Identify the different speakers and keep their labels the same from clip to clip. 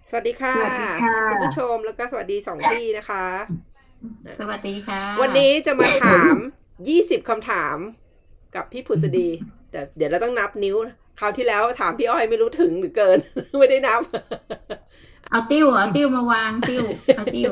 Speaker 1: สวัสดีค่ะ
Speaker 2: สวัสดีค่ะ
Speaker 1: คุณผู้ชมแล้วก็สวัสดีสองพี่นะคะ
Speaker 2: สวัสดีค่ะ
Speaker 1: วันนี้จะมาถาม20คำถามกับพี่ผุษดีแต่เดี๋ยวเราต้องนับนิ้วคราวที่แล้วถามพี่อ้อยไม่รู้ถึงหรือเกินไม่ได้นับ
Speaker 2: เอาติ้วมาวางติ้วเอาติ้ว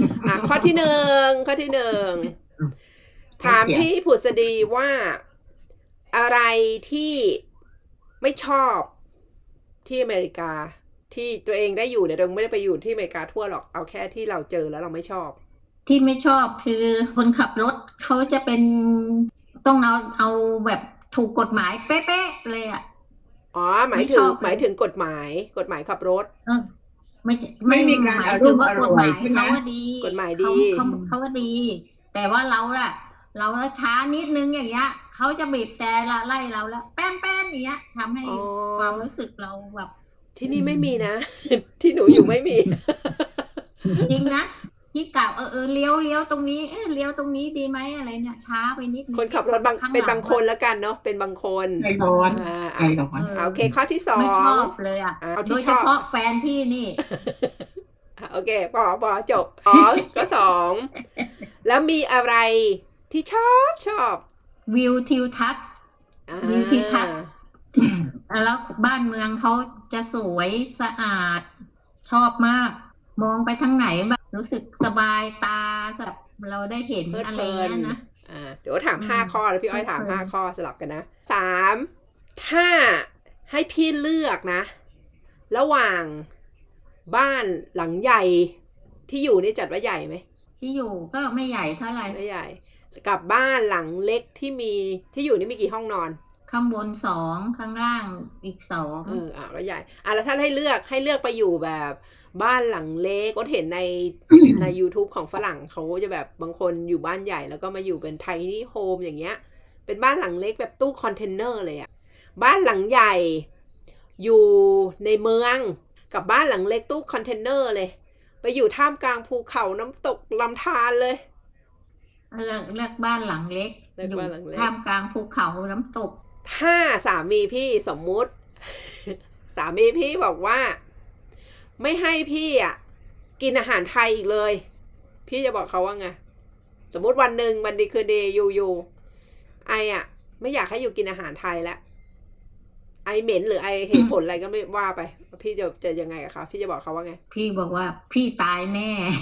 Speaker 1: ข้อที่หนึ่งถาม
Speaker 2: เดี๋ยว
Speaker 1: พี่ผุษดีว่าอะไรที่ไม่ชอบที่อเมริกาที่ตัวเองได้อยู่เนี่ยเราไม่ได้ไปอยู่ที่อเมริกาทั่วหรอกเอาแค่ที่เราเจอแล้วเราไม่ชอบ
Speaker 2: ที่ไม่ชอบคือคนขับรถเขาจะเป็นต้องเอาแบบถูกกฎหมายเป๊ะๆเลยอ่ะ
Speaker 1: อ๋อหมาย
Speaker 2: ไม่
Speaker 1: ถึง
Speaker 2: ชอบเลย
Speaker 1: กฎหมายขับรถ
Speaker 2: เออไม่ใช่ไม่
Speaker 3: ไม่มีการ
Speaker 2: หมาย
Speaker 3: อาร
Speaker 2: ถึงว่ากฎ
Speaker 3: มณ์อร่
Speaker 2: หมาย
Speaker 3: อยใช่ไหม
Speaker 2: เขาว่าดี
Speaker 1: กฎหมาย
Speaker 2: เขา
Speaker 1: ดี
Speaker 2: เขาว่าดีแต่ว่าเราล่ะเราละช้านิดนึงอย่างเงี้ยเขาจะบีบแต่ละไล่เราแล้วแป้นแป้นอย่างเงี้ยทำให้
Speaker 1: อ๋อ
Speaker 2: ความรู้สึกเราแบบ
Speaker 1: ที่นี่ไม่มีนะที่หนูอยู่ไม่มี
Speaker 2: จริงนะที่กล่าวเลี้ยวตรงนี้เลี้ยวตรงนี้ดีไหมอะไรเนี่ยช้าไปนิดนึง
Speaker 1: คนขับรถ
Speaker 2: ข้าง
Speaker 1: เป็น
Speaker 2: หลัง
Speaker 1: บางคนแล้วกันเนาะเป็นบางคน
Speaker 3: ใจร้อน
Speaker 1: อ่า
Speaker 3: ใจ
Speaker 1: อ่ะ
Speaker 3: ร้อน
Speaker 1: โอเคข้อที่สอ
Speaker 2: ไม่ช
Speaker 1: ง
Speaker 2: อบเลยอ่ะ
Speaker 1: เอา
Speaker 2: โด
Speaker 1: ที่ชอบ
Speaker 2: ยเฉพาะแฟนพี่นี่
Speaker 1: โอเคปอจบก็สองแล้วมีอะไรที่ชอบ
Speaker 2: วิวทิวทัศน์
Speaker 1: อ่า
Speaker 2: วิวทิวทัศน์แล้วบ้านเมืองเขาจะสวยสะอาดชอบมากมองไปทางไหนแบบรู้สึกสบายตาแบบเราได้เห็น
Speaker 1: เพลิด
Speaker 2: อะ
Speaker 1: เพลิน
Speaker 2: ไรเงี้ยนะ
Speaker 1: เดี๋ยวถามห้าข้อแล้วพี่อ้อยถาม
Speaker 2: เพลิน
Speaker 1: 5 ข้อสลับกันนะ3ถ้าให้พี่เลือกนะ ระหว่างบ้านหลังใหญ่ที่อยู่นี่จัดว่าใหญ่ไหม
Speaker 2: ที่อยู่ก็ไม่ใหญ่เท่าไหร่
Speaker 1: ไม่ใหญ่กับบ้านหลังเล็กที่อยู่นี่มีกี่ห้องนอน
Speaker 2: ข้างบน2ข้างล่างอีก2
Speaker 1: ก็ใหญ่แล้วถ้าให้เลือกไปอยู่แบบบ้านหลังเล็กก็เห็นใน YouTube ของฝรั่งเขาจะแบบบางคนอยู่บ้านใหญ่แล้วก็มาอยู่เป็นไทนี่โฮมอย่างเงี้ยเป็นบ้านหลังเล็กแบบตู้คอนเทนเนอร์เลยอะบ้านหลังใหญ่อยู่ในเมืองกับบ้านหลังเล็กตู้คอนเทนเนอร์เลยไปอยู่ท่ามกลางภูเขาน้ำตกลำธารเลย
Speaker 2: เลือกบ้านหลังเล็ก
Speaker 1: เลือก
Speaker 2: อยู่
Speaker 1: บ้านหลังเล็ก
Speaker 2: ท่ามกลางภูเขาน้ำตก
Speaker 1: ถ้าสามีพี่สมมุติ สามีพี่บอกว่าไม่ให้พี่กินอาหารไทยอีกเลยพี่จะบอกเขาว่าไงสมมุติวันหนึ่งวันดีคืนดีอยู่ไอไม่อยากให้อยู่กินอาหารไทยแล้วไอเหม็นหรือไอเหตุผลอะไรก็ไม่ว่าไปพี่จะยังไงกับเขาพี่จะบอกเขาว่าไง
Speaker 2: พี่บอกว่าพี่ตายแน่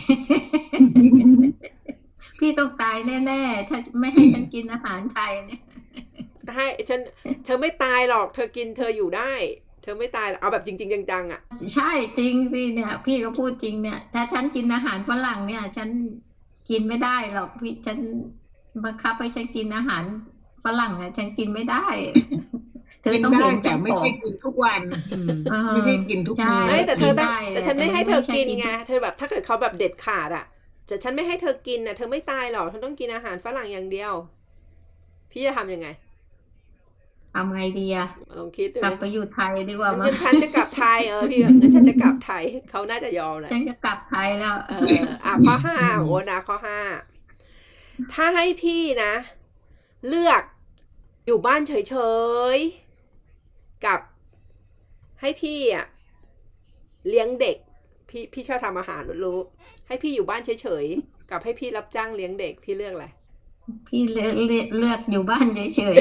Speaker 2: พี่ต้องตายแน่ๆถ้าไม่ให้ฉันกินอาหารไทยเนี่ย
Speaker 1: ให้เธอไม่ตายหรอกเธอกินเธออยู่ได้เธอไม่ตายเอาแบบจริงๆจังๆ
Speaker 2: ใช่จริงสิเนี่ยพี่ก็พูดจริงเนี่ยถ้าฉันกินอาหารฝรั่งเนี่ยฉันกินไม่ได้หรอกพี่ฉันบังคับให้ฉันกินอาหารฝรั่งเนี่ยฉันกินไม่ได้ เธอ
Speaker 3: กิน
Speaker 2: ต้อง
Speaker 3: ได้
Speaker 2: เห็น
Speaker 3: แต่
Speaker 2: ฉันผอม
Speaker 3: ไม่ใช่กินทุกวัน
Speaker 2: เออ
Speaker 3: ไม่ใช่กินทุก
Speaker 2: ใช่
Speaker 3: มื้อ
Speaker 1: แต่เธอต้อง
Speaker 2: กินได้
Speaker 1: แต่ฉันไม่ให้เธอกิน
Speaker 2: แต่ไม่ใช่กิน
Speaker 1: ไงเธอแบบถ้าเกิดเขาแบบเด็ดขาดแต่ฉันไม่ให้เธอกินเธอไม่ตายหรอกเธอต้องกินอาหารฝรั่งอย่างเดียวพี่จะทำยังไง
Speaker 2: ทำไงดีอะ
Speaker 1: ลองคิดดู
Speaker 2: กลับ
Speaker 1: นะ
Speaker 2: ไปอยู่ไทยดีกว่ามั้
Speaker 1: งั้
Speaker 2: ย
Speaker 1: นฉันจะกลับไทยพี่งั้นฉันจะกลับไทยเขาน่าจะยอมแหละ
Speaker 2: ฉันจะกลับไทยแล้ว
Speaker 1: ข้อ 5โอ้นะข้อ 5ถ้าให้พี่นะ เลือกอยู่บ้านเฉยๆกับให้พี่เลี้ยงเด็กพี่ชอบทำอาหารรู้ให้พี่อยู่บ้านเฉยๆกับให้พี่รับจ้างเลี้ยงเด็กพี่เลือกอะไร
Speaker 2: พี่เลือกอยู่บ้านเฉย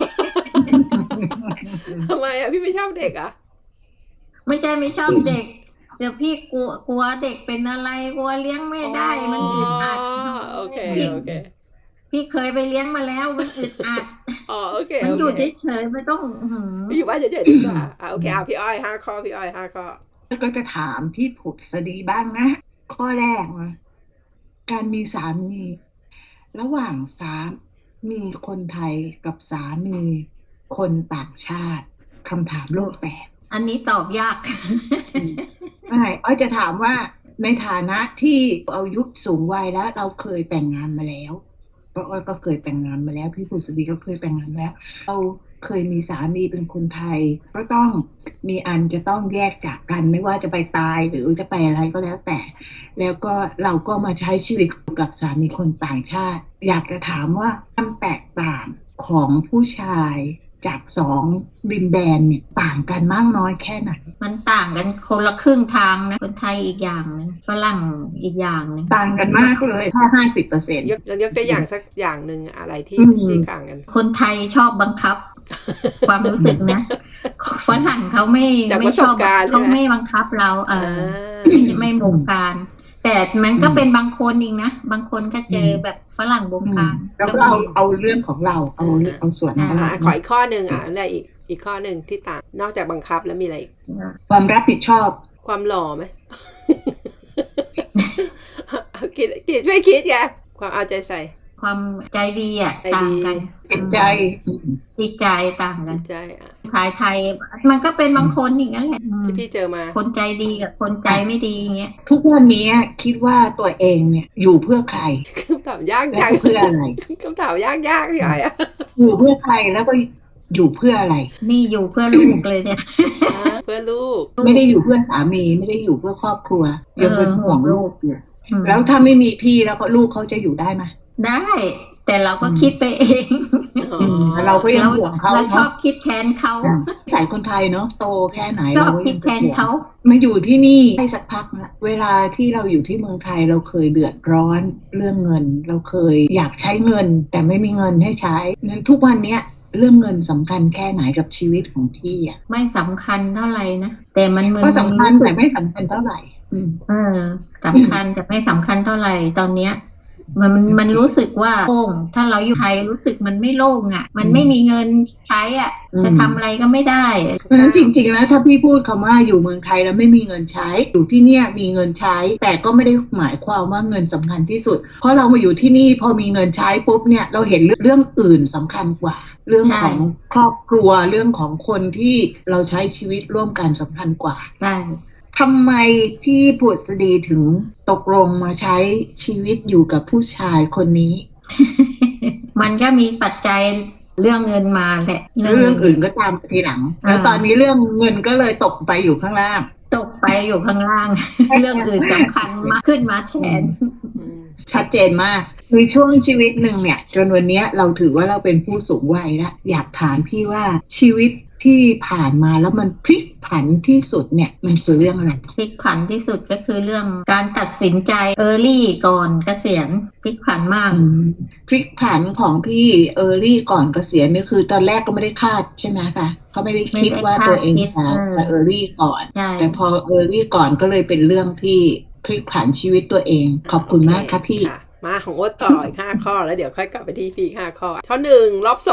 Speaker 1: ทำไมพี่ไม่ชอบเด็ก
Speaker 2: ๆ ไม่ใช่ไม่ชอบเด็กเดี๋ยวพี่กลัวเด็กเป็นอะไรกลัวเลี้ยงไม่ได้มันอึดอัด
Speaker 1: โอเค
Speaker 2: พี่
Speaker 1: โอเค
Speaker 2: พี่เคยไปเลี้ยงมาแล้วมันอึดอัด
Speaker 1: โอเค
Speaker 2: มันอยู่
Speaker 1: โอเค
Speaker 2: เฉยๆไม่ต้อง
Speaker 1: พี่อยู่บ้านเฉยๆดีกว่าโอเคพี่อ้อย5 ข้อพี่อ้อย5 ข้อ
Speaker 3: แล้วก็จะถามพี่ผุดสดีบ้างนะข้อแรกนะการมีสามีระหว่างมีคนไทยกับสามีคนต่างชาติคำถามโลกแตก
Speaker 2: อันนี้ตอบยาก
Speaker 3: ไม่อ้อยจะถามว่าในฐานะที่อายุสูงวัยแล้วเราเคยแต่งงานมาแล้วก็อ้อยก็เคยแต่งงานมาแล้วพี่ผุษดีก็เคยแต่งงานมาแล้วเราเคยมีสามีเป็นคนไทยก็ต้องมีอันจะต้องแยกจากกันไม่ว่าจะไปตายหรือจะไปอะไรก็แล้วแต่แล้วก็เราก็มาใช้ชีวิตกับสามีคนต่างชาติอยากจะถามว่าความแตกต่างของผู้ชายจากสองดินแดนเนี่ยต่างกันมากน้อยแค่ไหน
Speaker 2: มันต่างกันคนละครึ่งทางนะคนไทยอีกอย่างหนึงฝรั่งอีกอย่างหนึง
Speaker 3: ต่างกันมากเลยแค่50%
Speaker 1: ยกตัวอย่างสักอย่างหนึ่งอะไรที่
Speaker 3: อืม
Speaker 1: ที่ต่างกัน
Speaker 2: คนไทยชอบบังคับ ความรู้สึกนะฝรั่งเขาไม่
Speaker 1: จากป
Speaker 2: ไม่
Speaker 1: ระส
Speaker 2: ช
Speaker 1: บ
Speaker 2: อบ
Speaker 1: การณ์
Speaker 2: เขา
Speaker 1: ใช่ไหม
Speaker 2: ไม่บังคับเราไม่บงการ แต่มันก็เป็นบางคนเองนะบางคนก็เจอแบบฝรั่งบงการ
Speaker 3: แล้วก็เอาเรื่องของเราเอาส่วนของเรา
Speaker 1: ขออีกข้อหนึ่งอะไรอีกข้อหนึ่งที่ต่างนอกจากบังคับแล้วมีอะไรอีก
Speaker 3: ความรับผิดชอบ
Speaker 1: ความหล่อไหม คิดช่วยคิดแกความเอาใจใส่
Speaker 2: ความใจดีอ่ะ
Speaker 1: ใจดี
Speaker 2: ต่างกัน
Speaker 3: จิตใจ
Speaker 2: จิตใจต่างกั
Speaker 1: จิ
Speaker 2: น
Speaker 1: ตใจอ่ะ
Speaker 2: ไทยมันก็เป็นบางคนอย่างนั้นแหละ
Speaker 1: ที่พี่เจอมา
Speaker 2: คนใจดีกับคนใจไม่ดีอย่างเงี้ย
Speaker 3: ทุกวันนี้คิดว่าตัวเองเนี่ยอยู่เพื่อใคร
Speaker 1: คำถามยาก
Speaker 3: และ
Speaker 1: จัง
Speaker 3: เพื่ออะไร
Speaker 1: คำถามยากพี่ใหญ่อะ
Speaker 3: อยู่เพื่อใครแล้วก็อยู่เพื่ออะไร
Speaker 2: นี่อยู่เพื่อลูกเลยเนี่ย
Speaker 1: เพื่อลูก
Speaker 3: ไม่ได้อยู่เพื่อสามีไม่ได้อยู่เพื่อครอบครัวยังเป็นห่วงลูกอยู่
Speaker 2: อืม
Speaker 3: แล้วถ้าไม่มีพี่แล้วก็ลูกเขาจะอยู่ได้ไหม
Speaker 2: ได้ แต่เราก็คิดไปเอง
Speaker 3: เราก็ยังห่วงเขา
Speaker 2: เราชอ
Speaker 3: เนาะ
Speaker 2: บคิดแทนเขา
Speaker 3: สายคนไทยเนาะโตแค่ไหน
Speaker 2: ชอบ
Speaker 3: เราก็
Speaker 2: คิ
Speaker 3: ยั
Speaker 2: ด
Speaker 3: ง
Speaker 2: แทนเขา
Speaker 3: มาอยู่ที่นี่ได้สักพักนะเวลาที่เราอยู่ที่เมืองไทยเราเคยเดือดร้อนเรื่องเงิน เราเคยอยากใช้เงิน แต่ไม่มีเงินให้ใช้นั้นทุกวันเนี้ยเรื่องเงินสำคัญแค่ไหนกับชีวิตของพี่อ่ะ
Speaker 2: ไม่สำคัญเท่าไหร่นะแต่มันเหมือน
Speaker 3: ก็สำคัญแต่ไม่สำคัญเท่าไหร่
Speaker 2: สำคัญแต่ไม่สำคัญเท่าไหร่ตอนเนี้ยมันรู้สึกว่าโล่งถ้าเราอยู่ไทยรู้สึกมันไม่โล่งอ่ะ มันไม่มีเงินใช้อ่ะ จะทำอะไรก็ไม่ได้
Speaker 3: เพราะฉะนั้นจริงๆแล้วถ้าพี่พูดคำว่าอยู่เมืองไทยแล้วไม่มีเงินใช้อยู่ที่เนี่ยมีเงินใช้ แต่ก็ไม่ได้หมายความว่าเงินสำคัญที่สุด เพราะเรามาอยู่ที่นี่พอมีเงินใช้ปุ๊บเนี่ยเราเห็นเรื่องอื่นสำคัญกว่า เรื่องของครอบครัวเรื่องของคนที่เราใช้ชีวิตร่วมกันสำคัญกว่า
Speaker 2: ใช่
Speaker 3: ทำไมพี่ผุดสดีถึงตกลงมาใช้ชีวิตอยู่กับผู้ชายคนนี้
Speaker 2: มันก็มีปัจจัยเรื่องเงินมาแหละ
Speaker 3: เรื่องอื่นก็ตามทีหลัง แล้วตอนนี้เรื่องเงินก็เลยตกไปอยู่ข้างล่าง
Speaker 2: ตกไปอยู่ข้างล่าง เรื่องอื่นสำคัญมากขึ้นมาแทน
Speaker 3: ชัดเจนมากในช่วงชีวิตหนึ่งเนี่ยจนวันนี้เราถือว่าเราเป็นผู้สูงวัยแล้วอยากถามพี่ว่าชีวิตที่ผ่านมาแล้วมันพลิกผันที่สุดเนี่ยมันคือเรื่องอะไร
Speaker 2: พลิกผันที่สุดก็คือเรื่องการตัดสินใจเออร์ลี่ก่อนเกษียณพลิกผันมาก
Speaker 3: พลิกผันของพี่เออร์ลี่ก่อนเกษียณนี่คือตอนแรกก็ไม่ได้คาดใช่ไหมคะเขาไม่ได้คิดว่าตัวเองจะเออร์ลี่ก่อน
Speaker 2: ใช่
Speaker 3: แต่พอเออร์ลี่ก่อนก็เลยเป็นเรื่องที่พลิกผันชีวิตตัวเองขอบคุณมากครับพี่
Speaker 1: มาของโอ๊ตต่ออีก5 ข้อแล้วเดี๋ยวค่อยกลับไปที่พี่5 ข้อข้อ1รอบ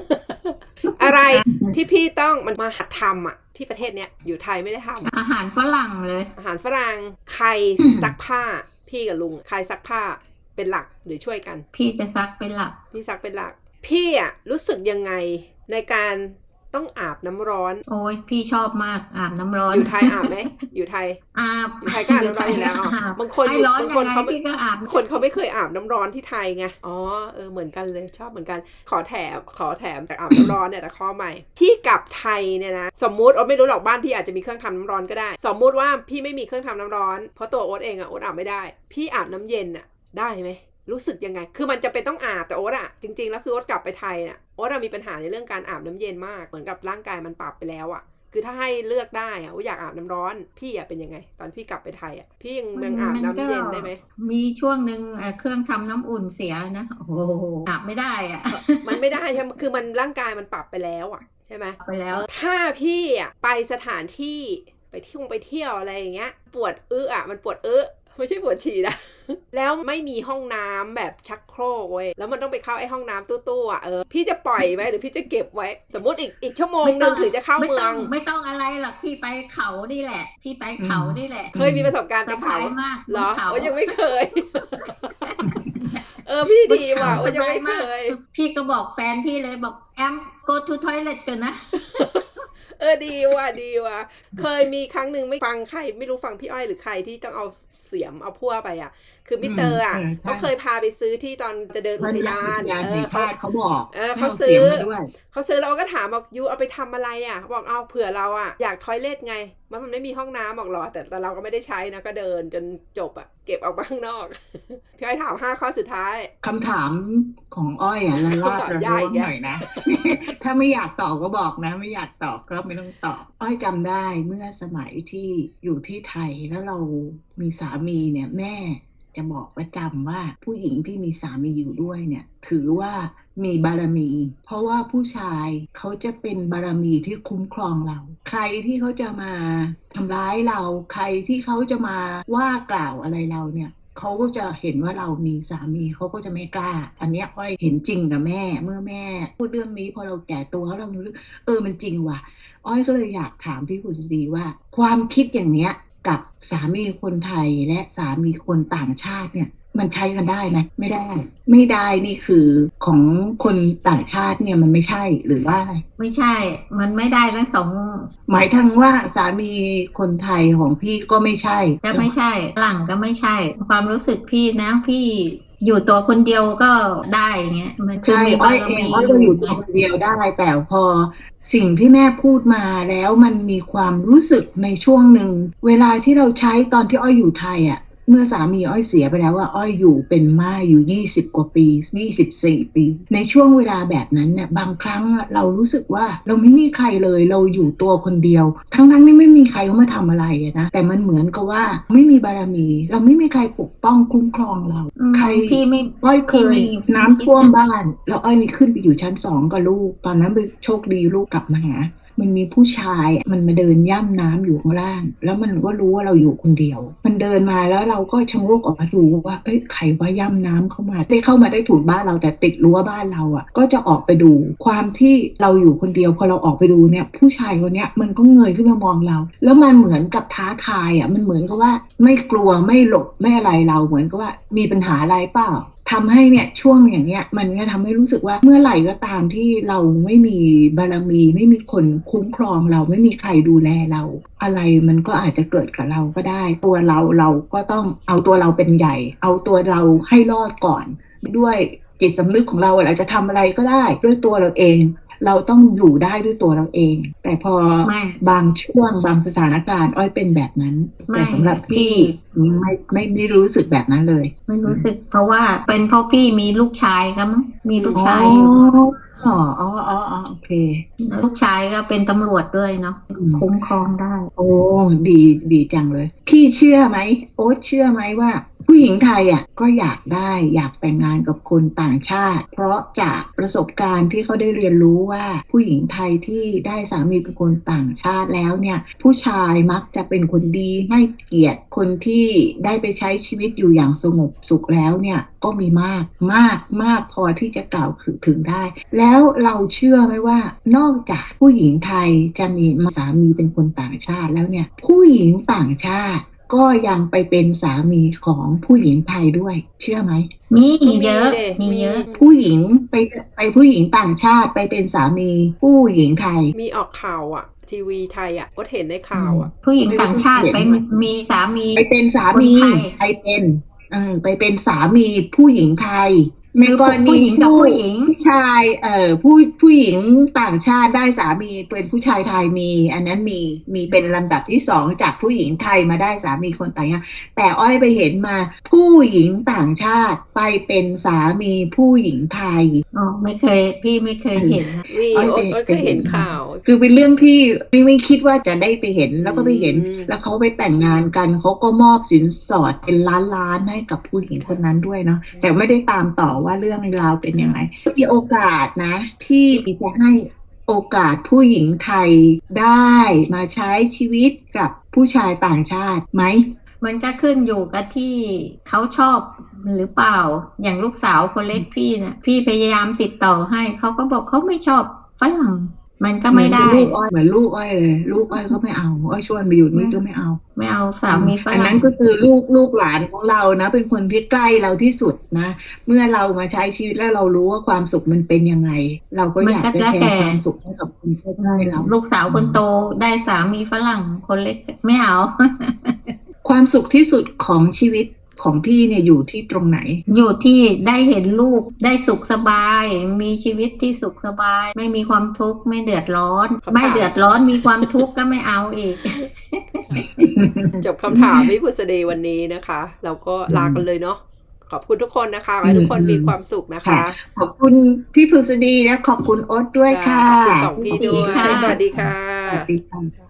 Speaker 1: 2 อะไรที่พี่ต้องมันมาหัดทำอ่ะที่ประเทศเนี้ยอยู่ไทยไม่ได้ทำ
Speaker 2: อาหารฝรั่งเลย
Speaker 1: อาหารฝรั่งใครซักผ้าพี่กับลุงใครซักผ้าเป็นหลักหรือช่วยกัน
Speaker 2: พี่จะซักเป็นหลัก
Speaker 1: พี่ซักเป็นหลักพี่อ่ะรู้สึกยังไงในการต้องอาบน้ำร้อน
Speaker 2: โอ้ยพี่ชอบมากอาบน้ำร้อน
Speaker 1: อยู่ไทยอาบไหมอยู่ไทย
Speaker 2: อาบ
Speaker 1: อยู่ไทยก็อาบน้ำร้อนอยู่แล้วอ๋อบางคน
Speaker 2: ไอ้ร้อน
Speaker 1: บาง
Speaker 2: ยั
Speaker 1: คน
Speaker 2: งไง
Speaker 1: เขา
Speaker 2: พี่ก็อาบ
Speaker 1: คนเขาไม่เคยอาบน้ำร้อนที่ไทยไง อ๋อ เหมือนกันเลย ชอบเหมือนกัน ขอแถมแต่อาบน้ำร้อนเนี่ยแต่ข้อใหม่ ที่กลับไทยเนี่ยนะ สมมุติโอ๊ตไม่รู้หรอกบ้านพี่อาจจะมีเครื่องทำน้ำร้อนก็ได้ สมมุติว่าพี่ไม่มีเครื่องทำน้ำร้อน เพราะตัวโอ๊ตเองอะโอ๊ตอาบไม่ได้ พี่อาบน้ำเย็นอะได้ไหม รู้สึกยังไง คือมันจะเป็นต้องอาบแต่โอ๊ตอะจริงๆแล้วคือโอ๊ตกลับไปไทยน่ะโอ๊ตมีปัญหาในเรื่องการอาบน้ำเย็นมาก เหมือนกับร่างกายมันปรับไปแล้วอะคือถ้าให้เลือกได้อะโอ๊ตอยากอาบน้ำร้อน พี่อะเป็นยังไง ตอนพี่กลับไปไทยอะพี่ยังอาบน้ำเย็นได้ไหม
Speaker 2: มีช่วงหนึ่งเครื่องทำน้ำอุ่นเสียนะโอ้โหอาบไม่ได้อ่ะ
Speaker 1: มันไม่ได้ใช่ไหมคือมันร่างกายมันปรับไปแล้วอะใช่ไหม
Speaker 2: ไปแล้ว
Speaker 1: ถ้าพี่อะไปสถานที่ไปเที่ยวอะไรอย่างเงี้ยปวดอะมันปวดไม่ใช่ปวดฉี่นะ แล้วไม่มีห้องน้ำแบบชักโครกเว้ยแล้วมันต้องไปเข้าไอ้ห้องน้ำตู้ๆอ่ะพี่จะปล่อยไว้หรือพี่จะเก็บไว้ สมมติอีกชั่วโมงนึงถึงจะเข้าเมือง
Speaker 2: ไม่ต้องอะไรหรอกพี่ไปเขานี่แหละพี่ไปเขานี่แหละ
Speaker 1: เคยมีประสบการณ์ไปเขา
Speaker 2: สบายมาก
Speaker 1: เหรอ
Speaker 2: เขา
Speaker 1: โอ้ยังไม่เคย พี่ดีว่ะโอ้ยังไม่เคย
Speaker 2: พี่ก็บอกแฟนพี่เลยบอกแอม go to toilet กันนะ
Speaker 1: ดีว่ะเคยมีครั้งหนึ่งไม่ฟังใครไม่รู้ฟังพี่อ้อยหรือใครที่ต้องเอาเสียมเอาพั่วไปอ่ะคือมิสเตอร์อ่ะเขาเคยพาไปซื้อที่ตอนจะเดินอุทยาน
Speaker 3: เขาบอก
Speaker 1: เขาซื้อแล้วก็ถามบอกยูเอาไปทำอะไรอ่ะบอกเอาเผื่อเราอ่ะอยากทอยเลทไงมันไม่มีห้องน้ำบอกหรอแต่เราก็ไม่ได้ใช้นะก็เดินจนจบอ่ะเก็บออกมาข้างนอก พี่อ้อยถาม5 ข้อสุดท้าย
Speaker 3: คำถามของอ้อยละลาดระล้วงหน่อยนะ ถ้าไม่อยากตอบก็บอกนะ ไม่อยากตอบก็ไม่ต้องตอบอ้อยจำได้เมื่อสมัยที่อยู่ที่ไทยแล้วเรามีสามีเนี่ยแม่จะบอกประจำว่าผู้หญิงที่มีสามีอยู่ด้วยเนี่ยถือว่ามีบารมี เพราะว่าผู้ชายเขาจะเป็นบารมีที่คุ้มครองเรา ใครที่เขาจะมาทำร้ายเราใครที่เขาจะมาว่ากล่าวอะไรเราเนี่ยเขาก็จะเห็นว่าเรามีสามีเขาก็จะไม่กล้า อันเนี้ยอ้อยเห็นจริงกับแม่เมื่อแม่พูดเรื่องนี้พอเราแก่ตัวแล้วเรารู้มันจริงว่ะอ้อยก็เลยอยากถามพี่ผุษดีว่าความคิดอย่างเนี้ยกับสามีคนไทยและสามีคนต่างชาติเนี่ยมันใช้กันได้ไหมไม่ได้นี่คือของคนต่างชาติเนี่ยมันไม่ใช่หรือว่าอะไร
Speaker 2: ไม่ใช่ มันไม่ได้ทั้งสอง
Speaker 3: หมายถึงว่าสามีคนไทยของพี่ก็ไม่ใช่
Speaker 2: ก็ไม่ใช่หลังก็ไม่ใช่ ความรู้สึกพี่นะพี่อยู่ตัวคนเดียวก็ได้เงี้ยมันคือ
Speaker 3: ใช่
Speaker 2: มี
Speaker 3: อ้
Speaker 2: บา
Speaker 3: อย
Speaker 2: ร
Speaker 3: เอง
Speaker 2: มี
Speaker 3: อ้อยก็อยู่ตัวคนเดียวได้ แต่พอสิ่งที่แม่พูดมาแล้วมันมีความรู้สึกในช่วงหนึ่งเวลาที่เราใช้ตอนที่อ้อยอยู่ไทยอ่ะเมื่อสามีอ้อยเสียไปแล้วว่าอ้อยอยู่เป็นม่ายอยู่20 กว่าปี24 ปีในช่วงเวลาแบบนั้นเนี่ยบางครั้งเรารู้สึกว่าเราไม่มีใครเลยเราอยู่ตัวคนเดียวทั้งที่ไม่มีใครเขามาทำอะไรนะแต่มันเหมือนกับว่าไม่มีบารมีเราไม่มีใครปกป้องคุ้มครองเราใคร
Speaker 2: พี่ไม่
Speaker 3: อ้อยเคย
Speaker 2: พี่มี
Speaker 3: น้ำท่วมบ้านแล้วอ้อยนี่ขึ้นไปอยู่ชั้น2กับลูกตอนนั้นไปโชคดีลูกกลับมาหามันมีผู้ชายมันมาเดินย่ำน้ำอยู่ข้างล่างแล้วมันก็รู้ว่าเราอยู่คนเดียวมันเดินมาแล้วเราก็ชะโงกออกมาดูว่าเอ้ยใครว่าย่ำน้ำเข้ามาได้เข้ามาได้ถูกบ้านเราแต่ติดรั้วบ้านเราอ่ะก็จะออกไปดูความที่เราอยู่คนเดียวพอเราออกไปดูเนี่ยผู้ชายคนเนี้ยมันก็เงยขึ้นมามองเราแล้วมันเหมือนกับท้าทายอ่ะมันเหมือนกับว่าไม่กลัวไม่หลบไม่อะไรเราเหมือนกับว่ามีปัญหาอะไรเปล่าทำให้เนี่ยช่วงอย่างเนี้ยมันก็ทำให้รู้สึกว่าเมื่อไหร่ก็ตามที่เราไม่มีบารมีไม่มีคนคุ้มครองเราไม่มีใครดูแลเราอะไรมันก็อาจจะเกิดกับเราก็ได้ตัวเราก็ต้องเอาตัวเราเป็นใหญ่เอาตัวเราให้รอดก่อนด้วยจิตสำนึกของเราเราจะทำอะไรก็ได้ด้วยตัวเราเองเราต้องอยู่ได้ด้วยตัวเราเอง แต่พอบางช่วงบางสถานการณ์อ้อยเป็นแบบนั้นแต่สำหรับพี่ไม่รู้สึกแบบนั้นเลย
Speaker 2: ไม่รู้สึกเพราะว่าเป็นเพราะพี่มีลูกชายครับมั้งมีลูกชายอยู่
Speaker 3: โอเค
Speaker 2: ลูกชายก็เป็นตำรวจด้วยเนาะคุ้มครองได้
Speaker 3: โอ้ดีจังเลยพี่เชื่อไหมโอ๊ตเชื่อไหมว่าผู้หญิงไทยอ่ะก็อยากแต่งงานกับคนต่างชาติเพราะจากประสบการณ์ที่เขาได้เรียนรู้ว่าผู้หญิงไทยที่ได้สามีเป็นคนต่างชาติแล้วเนี่ยผู้ชายมักจะเป็นคนดีให้เกียรติคนที่ได้ไปใช้ชีวิตอยู่อย่างสงบสุขแล้วเนี่ยก็มีมากพอที่จะกล่าวถึงได้แล้วเราเชื่อไหมว่านอกจากผู้หญิงไทยจะมีสามีเป็นคนต่างชาติแล้วเนี่ยผู้หญิงต่างชาติก็ยังไปเป็นสามีของผู้หญิงไทยด้วยเชื่อไหม
Speaker 2: มีเยอะ
Speaker 3: ผู้หญิงไปผู้หญิงต่างชาติไปเป็นสามีผู้หญิงไทย
Speaker 1: มีออกข่าวอ่ะทีวีไทยอ่ะก็เห็นในข่าวอ่ะ
Speaker 2: ผู้หญิงต่างชาติไปมีสามี
Speaker 3: ไปเป็นสามีไปเป็นสามีผู้หญิงไทยในกรณีผู้ชายผู้หญิงต่างชาติได้สามีเป็นผู้ชายไทยมีอันนั้นมีเป็นลำดับที่2จากผู้หญิงไทยมาได้สามีคนต่างชาติแต่อ้อยไปเห็นมาผู้หญิงต่างชาติไปเป็นสามีผู้หญิงไทย
Speaker 2: พี่ไม่เคยเห็นนะ
Speaker 1: อ้อยเคยเห็นข่าว
Speaker 3: คือเป็นเรื่องที่ไม่คิดว่าจะได้ไปเห็นแล้วก็ไปเห็นแล้วเขาไปแต่งงานกันเขาก็มอบสินสอดเป็นล้านให้กับผู้หญิงคนนั้นด้วยเนาะแต่ไม่ได้ตามต่อว่าเรื่องราวเป็นยังไงมีโอกาสนะที่จะให้โอกาสผู้หญิงไทยได้มาใช้ชีวิตกับผู้ชายต่างชาติไหม
Speaker 2: มันก็ขึ้นอยู่กับที่เขาชอบหรือเปล่าอย่างลูกสาวคนเล็กพี่นะพี่พยายามติดต่อให้เขาก็บอกเขาไม่ชอบฝรั่งมันก็ไม่ได้
Speaker 3: เหมือนลูกอ้อยเลยลูกอ้อยก็ไม่เอาอ้อยชวนไปอยู่นี่ก็ไม่เอา
Speaker 2: สามีฝรั่ง
Speaker 3: อันนั้นก็คือลูกหลานของเรานะเป็นคนที่ใกล้เราที่สุดนะเมื่อเรามาใช้ชีวิตแล้วเรารู้ว่าความสุขมันเป็นยังไงเราก็อยากจะแชร์ความสุขให้กับคนใกล้เรา
Speaker 2: ลูกสาวคนโตได้สามีฝรั่งคนเล็กไม่เอา
Speaker 3: ความสุขที่สุดของชีวิตของพี่เนี่ยอยู่ที่ตรงไหน
Speaker 2: อยู่ที่ได้เห็นลูกได้สุขสบายมีชีวิตที่สุขสบายไม่มีความทุกข์ไม่เดือดร้อนไม่เดือดร้อนมีความทุกข์ก็ไม่เอาอีก
Speaker 1: จบคำถามพี่พุษดีวันนี้นะคะเราก็ลากันเลยเนาะขอบคุณทุกคนนะคะขอให้ทุกคนมีความสุขนะคะ
Speaker 3: ขอบคุณพี่พุษดีและขอบคุณโอ๊ตด้วย
Speaker 1: ค่ะ
Speaker 3: ค่ะ
Speaker 1: ขอบคุณสองพี่ด้วย
Speaker 2: ค่ะ
Speaker 1: สวัสดีค่ะ
Speaker 3: สวัสดีค่ะ